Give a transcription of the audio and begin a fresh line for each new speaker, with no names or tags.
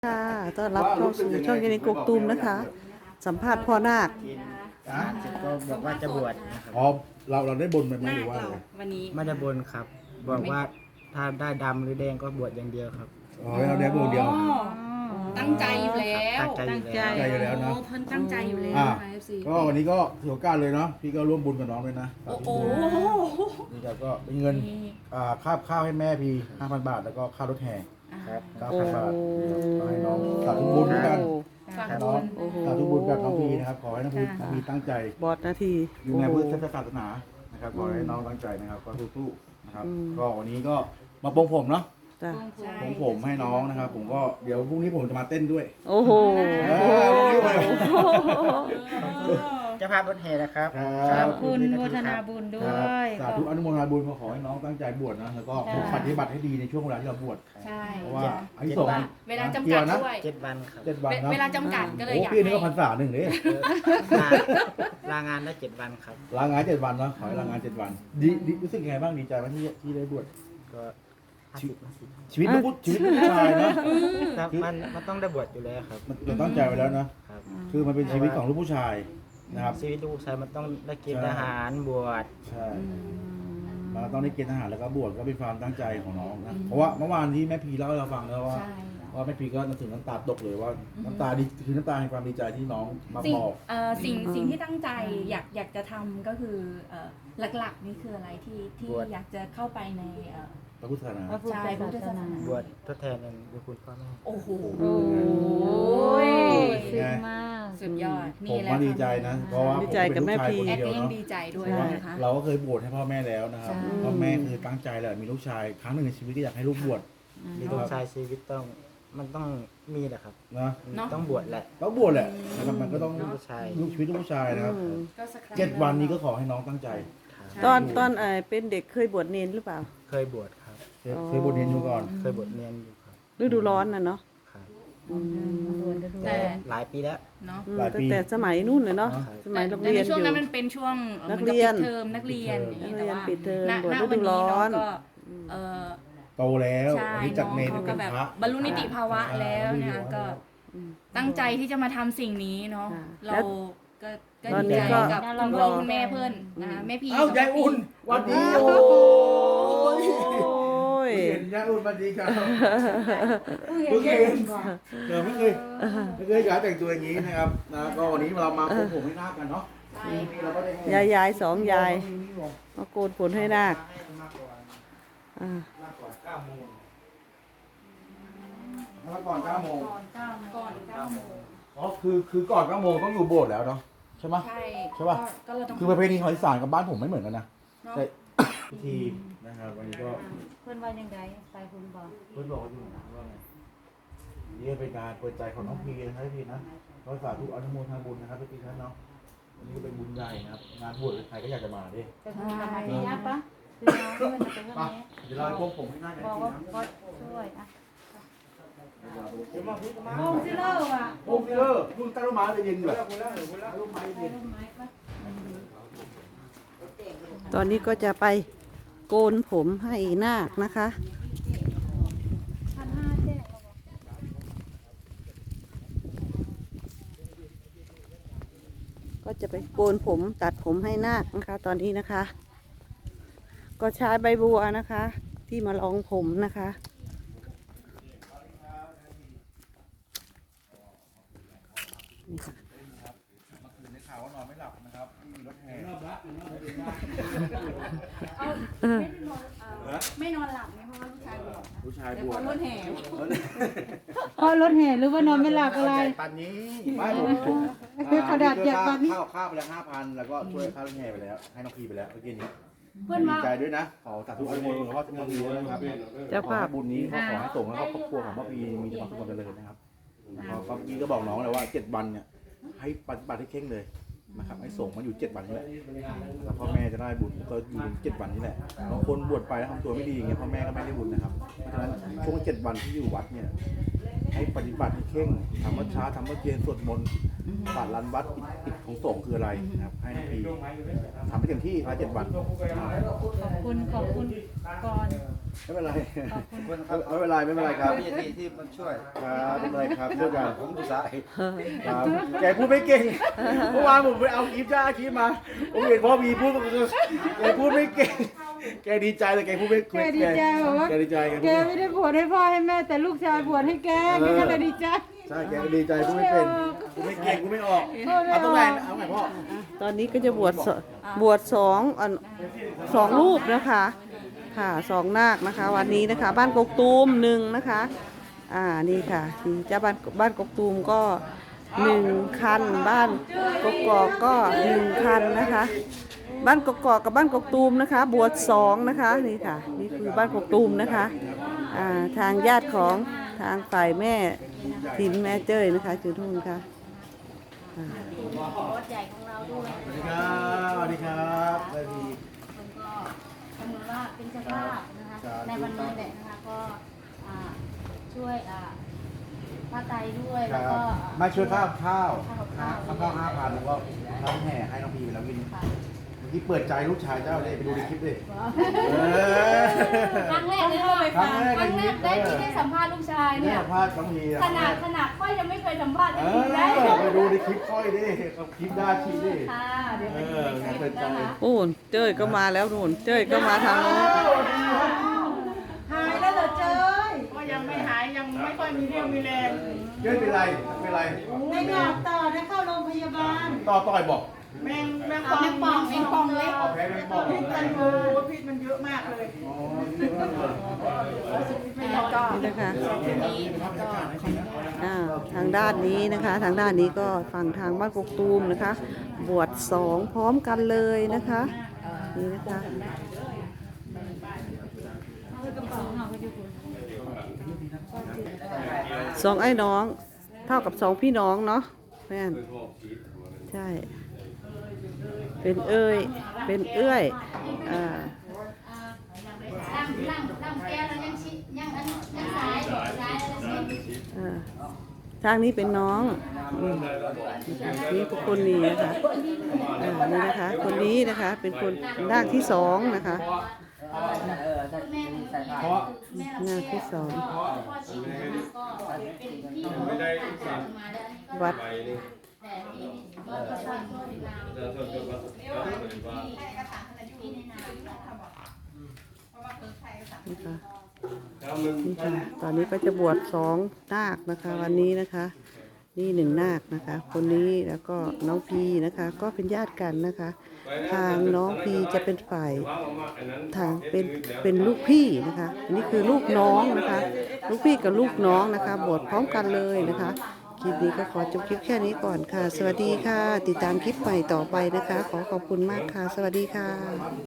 ค่ะต้อนรับเข้าสู่ช่องเยนิกกตูมนะคะ สัมภาษณ์พ่อนาค
ก็บอกว่าจะบวชนะครับ
อ๋อเราได้บนไปไหมหรือว่าอะไร
วันนี้
ไม่ได้บนครับ บอกว่าถ้าได้ดำหรือแดงก็บวชอย่างเดียวครับ
อ๋อเราได้บนเดียว
ตั้งใจอยู่แล้ว
ตั้งใจอยู่แล้ว
ตั้งใจอยู่แล้วนะ
โอ้เพิ่นตั้งใจอยู่แล้ว
อ่า
นะคะ FC
ก็วันนี้ก็ถือโอกาสเลยเนาะพี่ก็ร่วมบุญกับน้องเลยนะ
โอ้โห
นี่ครับก็เป็นเงินค่าข้าวให้แม่พี่ 5,000 บาทแล้วก็ค่ารถแห่
ครับ
9,000 บาทก็ให้น้องสาธุบุญด้วยกัน
ฝาก
น้
บุ
อง
ญ
โอ้โห
สาธุบุญกับน้องพีนะครับขอให้น้องพีตั้งใจ
บอดนาที
อยู่ในพุทธศาสนานะครับขอให้น้องตั้งใจนะครับก็สู้ๆนะครับก็วันนี้ก็มาปรงผมเนาะ
จ้ะ
ปรงผมให้น้องนะครับผมก็เดี๋ยวพรุ่งนี้ผมจะมาเต้นด้วย
โอ้โห
เจ้าภาพรถแห่นะครับ
ครับ
คุณโมทนาบุญด้ว
ครับ
ย
สาธุอนุโมทนาบุญขอให้น้องตั้งใจบวชนะแล้วก็ปฏิบัติให้ดีในช่วงเวลาที่เราบวช
ใช่
เพราะว่าอันที่สอง
เวลาจำกัดด้วย
7 วันครับ
7 วันนะ
เวลาจำกัดก็เลย
โอ้
อยาก
พี่นี่ก็พร
ให้
รษาหนึ่งเลย
ลางานได้7 วันครับ
ลางาน7 วันเนาะขอให้ลางาน7 วันดีรู้สึกยังไงบ้างดีใจไหมที่ได้บวช
ก็50
ชีวิตลูกผู้ชายนะ
แต่มันต้องได้บวชอยู่แล้วครับ
มันเราตั้งใจไว้แล้วนะครับ คือมันเป็นชีวิตของลูกผู้ชายนะครับ
ชีวิตลูกชายมันต้องได้กินอาหารบวช
ใช่เราต้องได้เกณฑ์ทหารแล้วก็บวชก็เป็นความตั้งใจของน้องนะเพราะว่าเมื่อวานที่แม่พีเล่าให้เราฟังแล้วว่า
ใช่
ว่าแม่พีก็ถึงน้ำตาตกเลยว่าน้ำตาดีคือน้ำตาแห่งความดีใจที่น้องมา
สิ่ง
บอก
สิ่งที่ตั้งใจอยากจะทำก็คือหลักๆนี่คืออะไรที่อยากจะเข้าไปใน
พระพุทธศาสนา
พระพุทธ
ใช่พระพุทธศาสนา
บวชทดแทนบุญคุณพ่อแม่
โอ้โห
โอ้ยซึ้งมาก
สุดยอด
ผ
นี่
ม
แหละ
ว่าดีใจนะเพราะว่า
ดีใจกับแม่พี
แอด
เดียว
ก็ยัง
เนาะ
ดีใจด้วยนะคะ
เราก็เคยบวชให้พ่อแม่แล้วนะครับ
ใช่
พ่อแม่คือตั้งใจแหละมีลูกชายครั้งหนึ่งในชีวิตก็อยากให้ลูกบวช
มีลูกชายชีวิตมันต้องมีแหละครับ
นะ
ต้องบวชแหละ
ต้องบวชแหละนะครับมันก็ต้อง
ลูกชาย
ลูกชีวิตลูกผู้ชายนะครับ
ก็สักครั้ง
7 วันนี้ก็ขอให้น้องตั้งใจ
ตอนเป็นเด็กเคยบวชเนนหรือเปล่า
เคยบวชครับ
เคยบวชเรียนอยู่ก่อน
เคยบวชเรียนอยู่ครับ
ฤดูร้อนน่ะเนาะ
ครับ
แต่
หลายปีแล้ว
เนาะ
ตั้งแต่สมัยนู่นเลยเนาะสมัยโรง
แต่
เรี
ใน
ยนอ
ช่วง
ยู่
นั้นมันเป็นช่วง
นักเรียน
หมือกับปิดเทอมนักเรียนอย่างนี้แต่ว่า
นักเรียนปิดเทอม
ณ
บวช
ณ
ฤดูร้อน
วัก็เออ
โตแล้ว
ใช่
อันนี้จากเนร
น้อง
เป็
ก็
น
แบบ
พระ
บรรลุนิติภาวะแล้วนะคะก็ตั้งใจที่จะมาทำสิ่งนี้เนาะ
ค่ะ
เราก็
ตอน
ดี
นี้
ใจ
ก็
กับคุณพ่อคุณแม่เพื่อนนะคะแม่พี
เอ้ายายอุ่นหวันดีโอ้ย
โอ้ย
เห็นยายอุ่นหวันดีครับเพิ่งเห็นไม่เคยอยากแต่งตัวอย่างนี้นะครับนะก็วันนี้เรามาโกนผมให้หน้ากันเนาะนี่เราก็ได้
ยายสองยายมาโกนผลให้นาคอ่า
มาก่อน9 โมง
ก่อน9 โมง
อ๋อคือก่อน9 โมงต้องอยู่โบสถ์แล้วเนาะใช่ไหม
ใช่
ใช่ป่ะ
ก็เราต้อง
คือประเพณีของอีสานกับบ้านผมไม่เหมือนกันนะ
เนาะ
แต่พิธีนะครับวันนี้ก็
เพื่อนว่ายังไงไปคุณบอก
เพื่อนบอกว่าอยู่นะว่าไงนี่เป็นการเปิดใจของน้องพีนะครับพี่นะก็สาธุอนุโมทนาบุญนะครับพี่ท่านเนาะวันนี้ก็เป็นบุญใหญ่นะครับงานบวชใครก็อยากจะมาดิ
จะทำกับมาที่ยับปะคือน้องเพื่อนจะเป็น
มา
นี้
เดี๋ยวเราพวกผมให้หน้ากัน
บอก
ที
ว่า
นะ
ก็ช่วยอ่ะ
เดี๋ยวมาพี่มา
โอ้ซิเลอร์อ่ะ
โอ้พี่เลอร์คุณตั้งร่มไม้เลยเย็นแบบร่มไม้เย็น
ตอนนี้ก็จะไปโกนผมให้นาคนะคะ
1,500แจ้ง
ก็จะไปโกนผมตัดผมให้นาคนะคะ ตอนนี้นะคะ ก็ใช้ใบบัวนะคะ ที่มาลองผมนะคะนี่ค่ะ
เมื่อคืนได้ข่าวว่านอนไม่หลับนะครับที่มีรถแห่
ไม่นอนหลับไงเพราะว่าลูกชายบอก
ผู้ชาย
แต่
บว
พ
ช
อรถแห่
เพราะรถแห่หรือว่านอนไม่หลับอะไร
ปันนี้ไม่ผม
กระดาษแจกปันนี้
ข้าวไปแล้ว5,000แล้วก็ช่วยค่ารถแห่ไปแล้วให้น้องพีไปแล้วเมื่อกี้นี้
เพื่อน
ดี
ว่า
ใจด้วยนะขอสาธุอนุโมทนาพ่อน้องพีด้วยนะครับ
เจ้า
ขอ
ภาพ
ให้บุญนี้ขอให้ส่งแล้วก็ครอบครัวของพ่อพีมีแต่ความสุขความเจริญนะครับเมื่อกี้ก็บอกน้องเลยว่า7 วันเนี่ยให้ปฏิบัติให้เข่งเลยนะครับให้ส่งมาอยู่7 วันนี่แหละแล้วพ่อแม่จะได้บุญก็อยู่7 วันนี่แหละบางคนบวชไปแล้วทำตัวไม่ดีอย่างเงี้ยพ่อแม่ก็ไม่ได้บุญนะครับเพราะฉะนั้นช่วง7 วันที่อยู่วัดเนี่ยให้ปฏิบัติให้เข่งทำวัดเช้าทำวัดเย็นสวดมนต์ปาดรันวัดกิจของสงฆ์คืออะไรนะครับให้น้องพีทำให้เต็มที่ภายใน7 วัน
ขอบคุณก่อน
ไม่เป็นไร
ขอบคุณครับ
ไม่เป็นไรไม่เป็นไรครับ
พี่ทีที่มาช่วย
ครับไม่เป็นไรครับช่วยกัน
ผมดูสาย
ครับแกพูดไม่เก่งเมื่อวานผมไปเอาคลิปมาผมเห็นพ่อมีพูดแกพูดไม่เก่งแกดีใจแต่แกพูดไม่
แกดีใจบอกว่า
แกดีใจ
แกไม่ได้บวชให้พ่อให้แม่แต่ลูกชายบวชให้แกแกก็เลยดีใจ
ใช่แกดีใจพูดไม่เป็นพูดไม่เก่งพูดไม่ออกเอาตรงไหนเอาไหนพ่อ
ตอนนี้ก็จะบวชสองรูปนะคะค่ะสองนาคนะคะ วันนี้นะคะ บ้านกกตูมหนึ่งนะคะนี่ค่ะนี่เจ้าบ้านกกตูมก็1 คันบ้านกกอกก็1 คันนะคะ บ้านกกอกกับบ้านกกตูมนะคะ บวช2นะคะนี่ค่ะนี่คือบ้านกกตูมนะคะทางญาติของทางฝ่ายแม่ทินแม่เจ้ยนะคะจุดทุ่นค่ะ
รถใหญ่ของเราด้วย
สวัสดีครับสวัสดีครับสวัสดี
แล้วก็สมมติว่าเป็นเจ้าภาพนะคะในวันนี้แหละนะคะก็ช่วยพระไตรด้วยแล้วก็
มาช่วยข้าว
ข้าว
5,000แล้วก็น้องแห่ให้น้องพีไปแล้วกิน
ค่ะ
เมื่อกี้เปิดใจลูกชายเจ้าเลยไปดูในคลิปดิ
ครั้งแรกเลยค่ะ
ครั้งแรก
ครั้งแรกได้ที่ได้สัมภาษณ์ลูกชาย
เนี่
เนี่ย ย
พลาดน้องพี
ขนาดค่อยยังไม่เคยสัมภาษณ์
เอ
ได้
อ
ยินได้
ไปดูในคลิปค่อยดิเขาคลิปด้าชีดิ
ค่ะเดี๋ยวไปดูในคลิปนะคะ
โอ้นเจ้ยก็มาแล้วนู่นเจ้ยก็มาทางโน้น
หายแล้วเหรอเจ้ย
ก็ยังไม่หายยังไม่ค่อยมีเรี่ยวมีแรง
เย้เป็นไรเป็นไร
ในหลับต่อได้เข้าโรงพยาบาล
ต่อยบอก
แมง
แมงป่องเล็ก
แพ้เป็นบอก
พิษมันอยู่พิษมันเยอะมากเลย
อ๋อ
แล้วก็
นี่นะคะ
นี้แล้วก็
ทางด้านนี้นะคะ ทางด้านนี้ก็ฝั่งทางบ้านกกตูมนะคะ บวช2พร้อมกันเลยนะคะนี่นะคะ2ไอ้น้องเท่ากับ2พี่น้องเนาะแม่นใช่ เป็นเอ้ยเป็นเอื้อย
ล่างแก้วแล้วยังสาย
ทางนี้เป็นน้องนี่พวกคนนี้นะคะนี่นะคะ คนนี้นะคะเป็นคนร่างที่2นะคะ
เพราะ
ร่างที่2
พ่อชีก็เป็นพี่น้องมาแล้ว
วัด
แต่ที่ก็เป็นคนที่ที่ในนาม
นี่ค่ะนี่ค่ะตอนนี้ก็จะบวช2 นาคนะคะ วันนี้นะคะ นี่1 นาคนะคะ คนนี้แล้วก็น้องพีนะคะ ก็เป็นญาติกันนะคะ ทางน้องพีจะเป็นฝ่ายทางเป็นลูกพี่นะคะอันนี้คือลูกน้องนะคะ ลูกพี่กับลูกน้องนะคะ บวชพร้อมกันเลยนะคะ คลิปนี้ก็ขอจบคลิปแค่นี้ก่อนค่ะ สวัสดีค่ะ ติดตามคลิปใหม่ต่อไปนะคะ ขอขอบคุณมากค่ะ สวัสดีค่ะ